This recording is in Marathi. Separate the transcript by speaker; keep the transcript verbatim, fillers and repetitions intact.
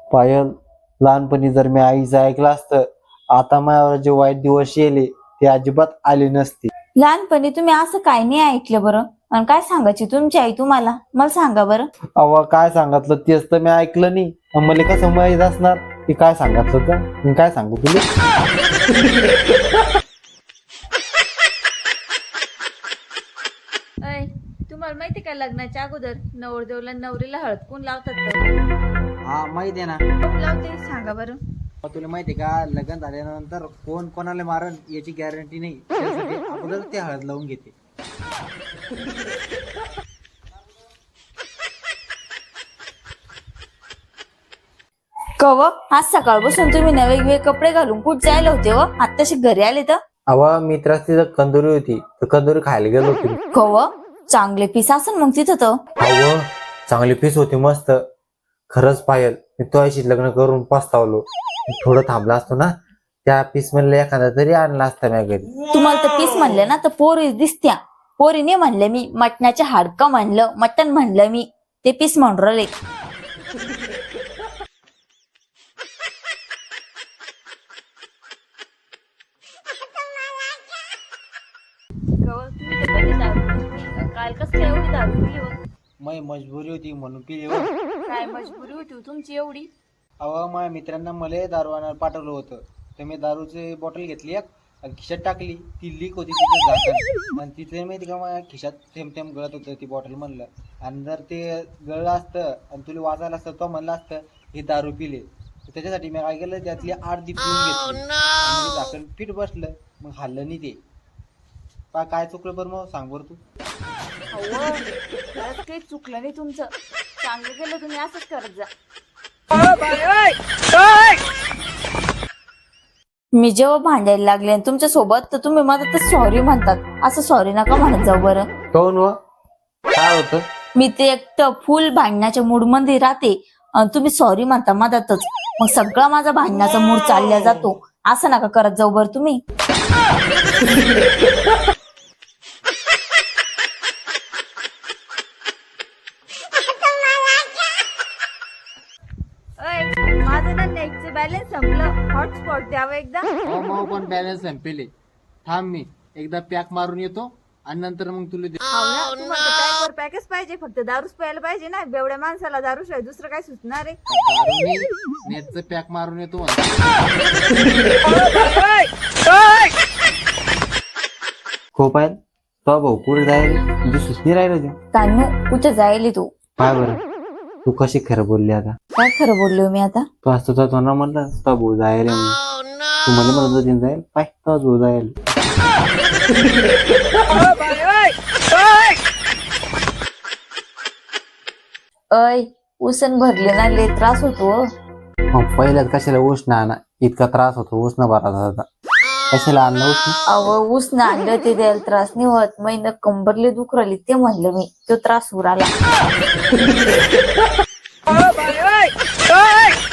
Speaker 1: पायल, लहानपणी जर मी आईचं ऐकलं असतं, आता माझ्यावर जे वाईट दिवस येले ते अजिबात आले नसते.
Speaker 2: लहानपणी तुम्ही असं काय नाही ऐकलं बरं? आणि काय सांगायची तुमची आई तुम्हाला? मला सांगा बरं.
Speaker 1: अव काय सांगितलं तेच तर मी ऐकलं नाही. मग मला कसं माहीत असणार की काय सांगितलं तर? मी काय सांगू तुला?
Speaker 2: अय, तुम्हाला माहिती का लग्नाच्या अगोदर नवरदेवला नवरीला हळद कोण लावतात तर?
Speaker 1: हा माहित आहे ना.
Speaker 2: कोण लावते सांगा बरं.
Speaker 1: तुला माहिती आहे का, लग्न झाल्यानंतर कोण कोणाला मारण याची गॅरंटी नाही. त्यासाठी अगोदर ते हळद लावून घेते.
Speaker 2: कव आज सकाळपासून तुम्ही नवे वेगवेगळे कपडे घालून कुठे जायला होते व? आत्ताशी घरी आले तर?
Speaker 1: अव मित्राची तिथं कंदुरी होती, तर कंदुरी खायला गेलो होतो.
Speaker 2: कव चांगले पीस असेल मग तिथं तर.
Speaker 1: अव चांगली पीस होती मस्त. खरंच पायल, मी तुझ्याशी लग्न करून पस्तावलो. थोडं थांबला असतो ना, त्या पीस म्हणले एखादा तरी आणला असता माझ्या घरी.
Speaker 2: तुम्हाला तर पीस म्हणले ना तर पोरी दिसत्या. पोरी नाही म्हणले मी, मटणाचे हाडकं म्हणलं, मटण म्हणलं मी, ते पीस म्हणून राहिले. काल कस काय एवढी दारू पिली?
Speaker 1: माझी मजबुरी होती म्हणून पिली.
Speaker 2: काय मजबुरी होती तुमची एवढी?
Speaker 1: अव माझ्या मित्रांना मला दारू आणायला पाठवलं होतं, तर मी दारूची बॉटल घेतली एक आणि खिशात टाकली. ती लीक होती तिचं झाकण, आणि तिथे माहिती का माझ्या खिशात थेंब थेंब गळत होतं ती बॉटल. म्हणलं आणि जर ते गळलं असतं आणि तुला वाचायला असतं तो म्हणलं असतं हे दारू पिले, त्याच्यासाठी मी काय केलं, त्यातली अर्धी पिऊन घेतली आणि झाकण फिट बसलं. मग हल्लं नाही ते. पा काय चुकलं बरं मग सांग बरं तू.
Speaker 2: खरंच काही चुकलं नाही तुमचं. चांगलं केलं तुम्ही, असंच करत जा. मी जेव्हा भांडायला लागले तुमच्या सोबत तर तुम्ही मला तर सॉरी म्हणतात. असं सॉरी नका म्हणत जाऊ बरं.
Speaker 1: कोण व काय होतं?
Speaker 2: मी ते एकटं फुल भांडण्याच्या मूड मध्ये राहते आणि तुम्ही सॉरी म्हणता मधातच. मग सगळा माझा भांडण्याचा मूड चालला जातो. असं नका करत जाऊ बरं तुम्ही. माझं ना नेटचं बॅलन्स संपलं. हॉटस्पॉट द्यावं एकदा.
Speaker 1: मग पण बॅलन्स संपेले. थांब मी एकदा पॅक मारून येतो आणि नंतर मग तुला दे.
Speaker 2: पॅकवर पॅकच पाहिजे, फक्त दारूच प्यायला पाहिजे ना. बेवड्या माणसाला दारू शिवाय दुसरं काय सुचणार आहे?
Speaker 1: नेटचं पॅक मारून येतो. खूप आहेत तो भाऊ पुढे जायला म्हणजे सुचनी राहिलं.
Speaker 2: कानू कुठे जायली तू?
Speaker 1: काय बरं तू कशी खरं बोलली आता?
Speaker 2: काय खरं बोललो मी आता?
Speaker 1: तू असतो तर तो ना म्हणलं तो भाऊ जायला म्हणून. तू मला म्हणत होती जाईल पाय तो भाऊ जायला.
Speaker 2: अय उसन भरले ना लय त्रास होतो.
Speaker 1: मग पहिल्याच कशाला उष्ण आणा, इतका त्रास होतो उष्ण भरा होता. कशाला आणलं उष्ण?
Speaker 2: अव उसन आणलं ते द्यायला त्रास नाही होत. महिना कंबरले दुख राहिली ते म्हणलं मी, तो त्रास उराला.